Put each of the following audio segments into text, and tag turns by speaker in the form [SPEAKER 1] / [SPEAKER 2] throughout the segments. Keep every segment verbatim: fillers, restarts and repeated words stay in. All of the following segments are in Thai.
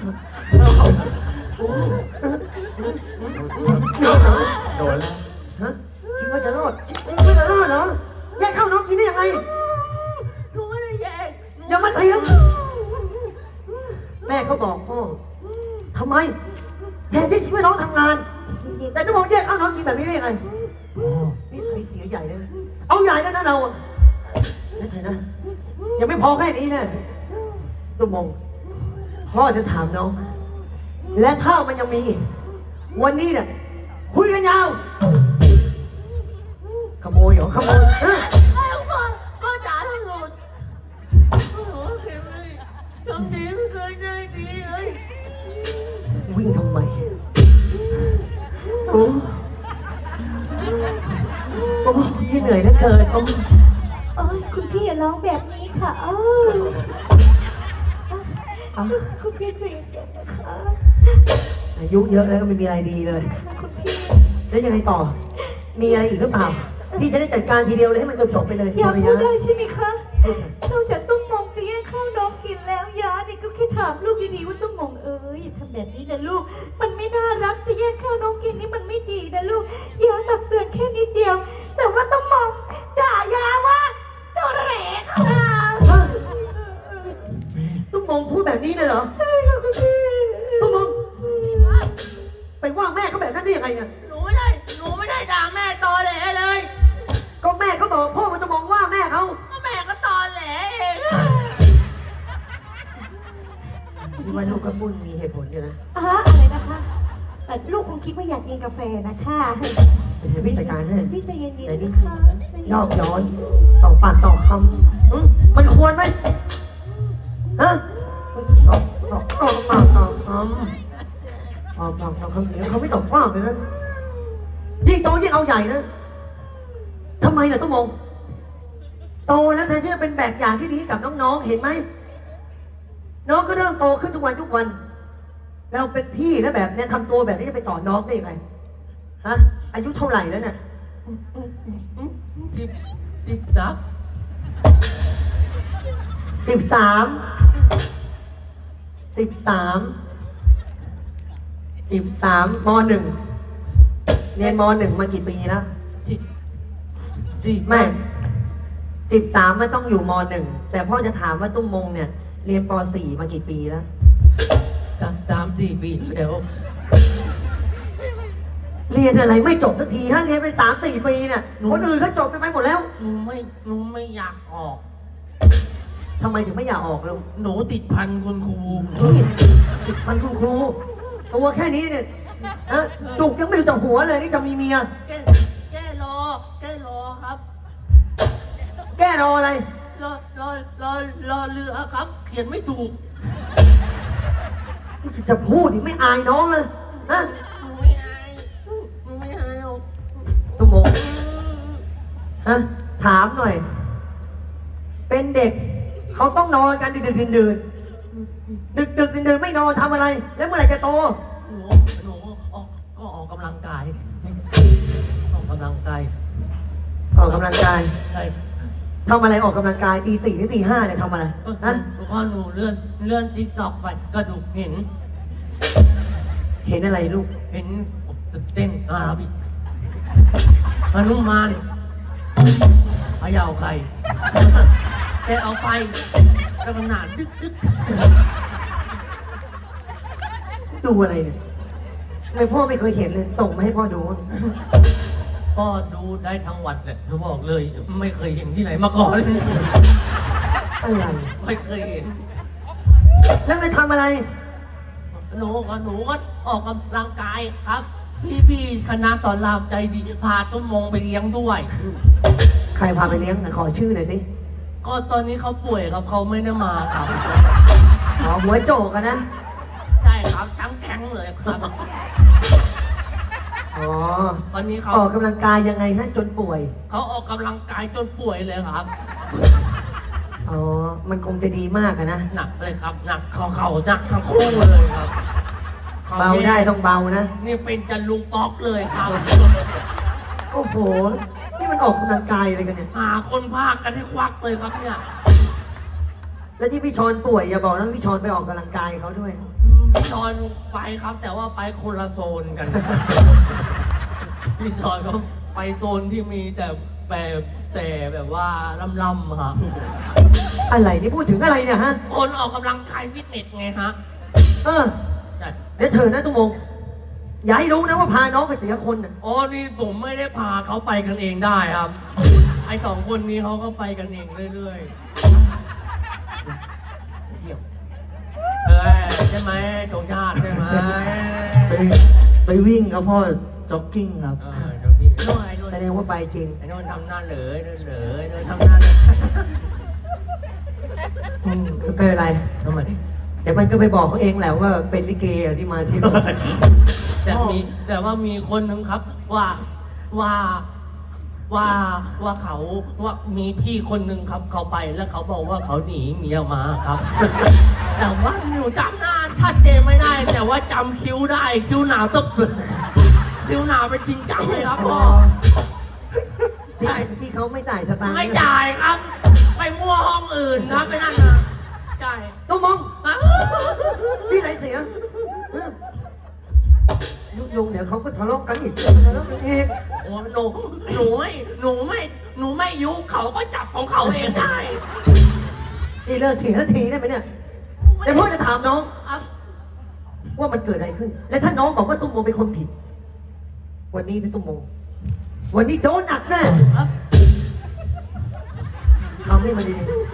[SPEAKER 1] โดนแล้ว
[SPEAKER 2] ฮะคิดว่าจะรอดคิดว่าจะรอดเหรอแยกเข้าน้องกินได้ยังไง
[SPEAKER 3] หนูไม่ได้แยก
[SPEAKER 2] อย่ามาเถียงแม่เขาบอกพ่อทำไมแทนที่ช่วยน้องทำงานแต่จะบอกแยกเข้าน้องกินแบบนี้ได้ยังไงนี่ใส่เสียใหญ่เลยนะเอาใหญ่แล้วนะเรานั่นใช่นะยังไม่พอแค่นี้นะตุ้มมงพ่อจะถามน้องและถ้ามันยังมีวันนี้เนี่ยคุยกันยาวขโมยเหรอขโมยเฮ้ย
[SPEAKER 3] พ่อพ่อจ๋าทำหลุดโอ้โหเข็มเลยทำดีไม่เคยได้ดีเลย
[SPEAKER 2] วิ่งทำไมโอ้โอ้ยเหนื่อยเหลือเกินโอ้
[SPEAKER 4] โอ้ยคุณพี่อย่าร้องแบบนี้ค่ะอ้าวคุณพี่ใจเย็นๆนะคะ
[SPEAKER 2] อายุเยอะแล้วก็ไม่มีอะไรดีเลย
[SPEAKER 4] คุณพี่
[SPEAKER 2] แล้วยังไงต่อมีอะไรอีกหรือเปล่าพี่จะได้จัดการทีเดียวเลยให้มันจบๆไปเลย
[SPEAKER 4] อยากพูดได้ใช่ไหมคะนอกจากตุ้มมองจะแย่งข้าวน้องกินแล้วยาเนี่ยก็แค่ถามลูกดีๆว่าตุ้มมองเอ้ยอย่าทำแบบนี้นะลูกมันไม่น่ารักจะแย่งข้าวน้องกินนี่มันไม่ดีนะลูกยาตักเตือนแค่นิดเดียวแต่ว่าตุ้มมองด่ายาว่าตัวเหล่ค่ะ
[SPEAKER 2] ตุ้มมองพูดแบบนี้เลยเหรอ
[SPEAKER 4] ใช่ค่ะคุณพี่
[SPEAKER 2] ตุ้มมองไปว่าแม่เขาแบบนั้นได้ยังไงเนี่ย
[SPEAKER 3] หนูไม่ได้หนูไม่ได้ด่าแม่ตอแหลเลย
[SPEAKER 2] ก็แม่เขาบอกพ่อมันจะมองว่าแม่เขา
[SPEAKER 3] ก็แม่ก็ตอแหลเอง
[SPEAKER 2] ที่ว่าลูกกระปุ้นมีเหตุผลอยู่นะ
[SPEAKER 4] อ่ะอะไรนะคะแต่ลูกคงคิดว่าอยากกินกาแฟนะคะ
[SPEAKER 2] เดี๋ยวพี่จัดการให้
[SPEAKER 4] พี่ใจเย็น
[SPEAKER 2] ๆ
[SPEAKER 4] นะคะ
[SPEAKER 2] ยอกย้อนต่อปากต่อคำมันควรไหมฮะต่อต่อต่อปากต่อคำต่อปากต่อคำจริงเขาไม่ตอบฟ้าเลยนะยิ่งโตยิ่งเอาใหญ่นะทำไมล่ะต้องมองโตแล้วแทนที่จะเป็นแบบอย่างที่ดีกับน้องๆเห็นไหมน้องก็เริ่มโตขึ้นทุกวันทุกวันเราเป็นพี่แล้วแบบเนี้ยทำตัวแบบนี้จะไปสอนน้องได้ยังไงฮะอายุเท่าไหร่แล้วเนี่ย
[SPEAKER 3] จิบจิบดับ
[SPEAKER 2] สิบสามสิบสามสิบสามมหนึ่งเรียนมหนึ่งมากี่ปีแล้ว
[SPEAKER 3] จิบจิบ
[SPEAKER 2] ไม่สิบสามมันต้องอยู่มหนึ่งแต่พ่อจะถามว่าตุ้มมงเนี่ยเรียนปสี่มากี่ปีแล้ว
[SPEAKER 3] สามสามสี่ปีเดี๋ยว
[SPEAKER 2] เรียนอะไรไม่จบสักทีฮะเรียนไปสามสี่ปีเนี่ยคนอื่นเขาจบกันไปหมดแล้ว
[SPEAKER 3] หนูไม่หนูไม่อยากออก
[SPEAKER 2] ทำไมถึงไม่อยากออกลูก
[SPEAKER 3] หนูติดพันคุณครู
[SPEAKER 2] นี่ติดพันคุณครูตัวแค่นี้เนี่ยฮะจุกยังไม่รู้จักหัวเลยนี่จะมีเมีย
[SPEAKER 3] แก้แก้รอแก้รอครับ
[SPEAKER 2] แก้รออะไร
[SPEAKER 3] รอรอรอรอเรือครับเขียนไม่ถูก
[SPEAKER 2] จะพูดอีกไม่อายน้องเลยฮะ
[SPEAKER 3] หนูไม่อายหนูไม่อายหรอก
[SPEAKER 2] ตุ้มมงฮะถามหน่อยเป็นเด็กเขาต้องนอนกันดึกๆดื่นๆดึกๆดื่นๆไม่นอนทำอะไรแล้วเมื่อไหร่จะโต
[SPEAKER 3] หนูหนูออกก็ออกกำลังกายออกกำลังกาย
[SPEAKER 2] ออกกำลังกาย
[SPEAKER 3] ใช่
[SPEAKER 2] ทำอะไรออกกำลังกายตีสี่หรือตีห้าเนี่ยทำอะไร
[SPEAKER 3] ฮะพอหนูเลื่อนเลื่อนติ๊กต็อกไปกระดูกเห็น
[SPEAKER 2] เห็นอะไรลูก
[SPEAKER 3] เห็นเต้นอาราบิกฮนุมานพะเยาไข่แต่เอาไปกระหน่ำดึกดึก
[SPEAKER 2] ดูอะไรเนี่ยไม่พ่อไม่เคยเห็นเลยส่งมาให้พ่อดู
[SPEAKER 3] พ่อดูได้ทั้งวันเลยเขาบอกเลยไม่เคยเห็นที่ไหนมาก่อนเลย
[SPEAKER 2] อะไร
[SPEAKER 3] ไม่เคยเห็น
[SPEAKER 2] แล้วไปทำอะไร
[SPEAKER 3] หนูก็หนูก็ออกกำลังกายครับพี่พี่คณะตอนรามใจดีพาตุ้มมงไปเลี้ยงด้วย
[SPEAKER 2] ใครพาไปเลี้ยงขอชื่อหน่อยสิ
[SPEAKER 3] ก็ตอนนี้เขาป่วยครับเขาไม่ได้มาครับ
[SPEAKER 2] อ๋อหัวโจกกันนะ
[SPEAKER 3] ใช่ครับทั้งแก๊งเลยครับ
[SPEAKER 2] อ๋อ
[SPEAKER 3] ตอนนี้เขา
[SPEAKER 2] ออกกำลังกายยังไงฮะจนป่วย
[SPEAKER 3] เขาออกกำลังกายจนป่วยเลยครับ
[SPEAKER 2] อ๋อมันคงจะดีมากนะ
[SPEAKER 3] หนักเลยครับหนักเขาเขาหนักทั้งคู่เลยครับ
[SPEAKER 2] เบาได้ต้องเบานะ
[SPEAKER 3] นี่เป็นจันลุงป๊อกเลยครับ
[SPEAKER 2] โอ้โหนี่มันออกกำลังกายอะไรกันเนี่ย
[SPEAKER 3] หาคนพากันให้ควักเลยครับเนี่ย
[SPEAKER 2] แล้วที่พี่ชอนป่วยอย่าบอกนะพี่ชอนไปออกกำลังกายเขาด้วย
[SPEAKER 3] พี่ชอนไปครับ แต่ว่าไปคนละโซนกัน พี่ชอนก็ไปโซนที่มีแต่แบบแต่แบบว่าล่ำๆครับ
[SPEAKER 2] อะไรนี่พูดถึงอะไรเนี่ยฮะ
[SPEAKER 3] คนออกกำลังกายฟิตเนสไงฮะ
[SPEAKER 2] เออ
[SPEAKER 3] ใช่
[SPEAKER 2] เดี๋ยวเธอนะตุ้มงอย่าให้รู้นะว่าพาน้องไปเสียคนน่ะ
[SPEAKER 3] อ๋อนี่ผมไม่ได้พาเขาไปกันเองได้ครับ ไอสองคนนี้เขาก็ไปกันเองเรื่อยๆเออใช่ไหมจงชาติใช่ไหม
[SPEAKER 1] ไปไปวิ่งครับพ่อจ็อกกิ้งครับ
[SPEAKER 3] เออเดี๋ยวพี่โน่นไอ้โน่น
[SPEAKER 2] แสดงว่าไปจริง
[SPEAKER 3] ไอ้โน่นทำหน้าเหลยเหลยโน่นทำหน้าเหลย
[SPEAKER 2] อืมไม่เป็นไร
[SPEAKER 3] ทำไม
[SPEAKER 2] เดี๋ยวมันก็ไปบอกเขาเองแหละว่าเป็นลิเกอะที่มาเที่ยว
[SPEAKER 3] แต่มีแต่ว่ามีคนหนึ่งครับว่าว่าว่าว่าเขาว่ามีพี่คนหนึ่งครับเขาไปแล้วเขาบอกว่าเขาหนีเมียมาครับ แต่ว่าหนูจำหน้าชัดเจนไม่ได้ แต่ว่าจำคิ้วได้คิ้วหนาวตึ๊บคิ้วหนาวเป็นจริงจังเลยครับพ่อ
[SPEAKER 2] ใช่ที่เขาไม่จ่ายสตางค์
[SPEAKER 3] ไม่จ่ายครับ ไปมั่วห้องอื่นครับไปนั่นนะจ่าย
[SPEAKER 2] ตุ้มง
[SPEAKER 3] อ่ะ
[SPEAKER 2] นี่ไรเสียเออยุยงเดี๋ยวเขาก็ทะเลาะกันอีกทะเลาะกันอีก
[SPEAKER 3] โอ้หนูหนูไม่หนูไม่หนูไม่ยุเขาก็จับของเขาเองได้
[SPEAKER 2] นี่เลิกถีแล้วทีได้ไหมเนี่ยเดี๋ยวพ่อจะถามน้อง
[SPEAKER 3] ครับ
[SPEAKER 2] ว่ามันเกิดอะไรขึ้น และถ้าน้องบอกว่าตุ้มโมเป็นคนผิด วันนี้นะตุ้มโมวันนี้โดนหนักแน่
[SPEAKER 3] ครับ
[SPEAKER 2] ทำให้มันดี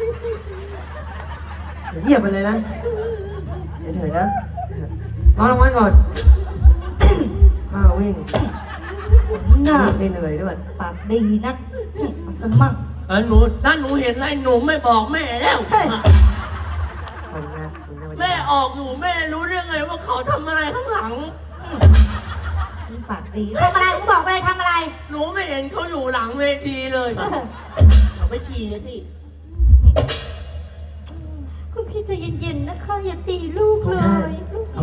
[SPEAKER 2] ๆเงียบไปเลยนะเฉยๆนะนอนรางวัลก่อน ข้าววิ่ง
[SPEAKER 4] หน้า
[SPEAKER 2] ไม่เหนื่อยด้วย
[SPEAKER 4] ปากดีนักกันมั่ง
[SPEAKER 3] เออหนูถ้าหนูเห็นอะไรหนูไม่บอกแม่แล้ว
[SPEAKER 2] ขอบคุณนะขอบคุณนะ
[SPEAKER 3] แม่ออกหนูแม่รู้เรื่องไงว่าเขาทำอะไรข้างหลัง
[SPEAKER 4] ปากดีทำอะไรมึงบอกอะไรทำอะไร
[SPEAKER 3] หนูไม่เห็นเขาอยู่หลังเวทีเลย
[SPEAKER 1] เขาไปฉี่สิ
[SPEAKER 4] คุณพี่ใจเย็นๆนะคะอย่าตีลูกเลยลู